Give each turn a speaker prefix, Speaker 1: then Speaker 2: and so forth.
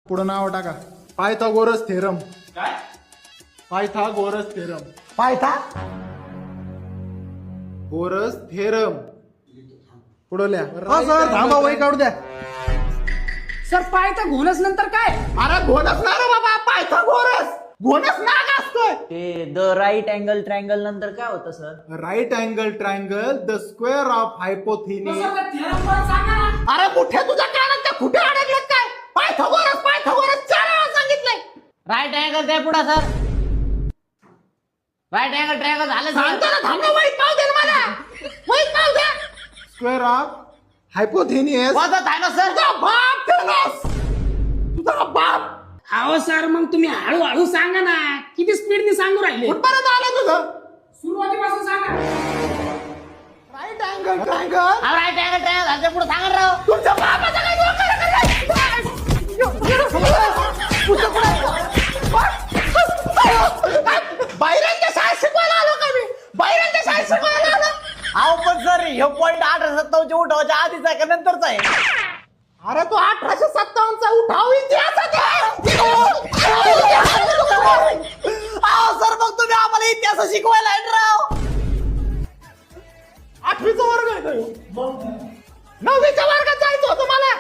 Speaker 1: पुढं नाव टाका. Pythagoras theorem.
Speaker 2: काय?
Speaker 1: Pythagoras theorem.
Speaker 3: 
Speaker 1: Pythagoras theorem. पुढं लिहा.
Speaker 3: हो सर थांबा वही काढू द्या.
Speaker 4: सर पायथा घोणस नंतर काय?
Speaker 1: अरे घोणस ना रे बाबा, पायथागोरस. घोणस नाग असतोय.
Speaker 5: ते द राईट अँगल ट्रायंगल नंतर काय होतं sir?
Speaker 1: Right angle triangle the square of hypotenuse.
Speaker 4: सांगा
Speaker 1: अरे कुठे तुझ्या कानात त्या कुठे अडकलेत काय? पायथागोरस पायथागोरस 4 वेळा सांगितलंय.
Speaker 5: राईट अँगल द्या पुढे सर. राईट अँगल ट्रायंगल झालं
Speaker 1: सांगतो ना, थांब ना, वहीत पाव दे ना मला. वहीत पाव दे. Square of हायपोथिनिस.
Speaker 5: आहे ना सर.
Speaker 1: तुझा बाप केलास. तुझा बाप.
Speaker 4: अहो सर मग तुम्ही हळूहळू सांगा ना, किती स्पीडने सांगू राहिले.
Speaker 1: कुठपर्यंत आलं तुझं?
Speaker 4: सुरुवातीपासून सांगा.
Speaker 1: Right angle triangle.
Speaker 5: Right angle triangle झालं पुढे सांगा राव.
Speaker 1: तुमच्या बापाचा काय डोकं बाहेरांच्या शाळेत शिकवायला आलो का मी? बाहेरांच्या शाळेत शिकवायला आलो.
Speaker 5: अहो पण सर हे पॉईंट 1857 उठवायच्या आधीचा आहे का नंतरचा आहे?
Speaker 1: अरे तो 1857चा उठाव इतिहासात आहे.
Speaker 5: अहो सर मग तुम्ही आम्हाला इतिहास शिकवायला आहे राव.
Speaker 1: 8वीचा वर्ग आहे तो. 9वीच्या वर्गात जायचं होतं मला.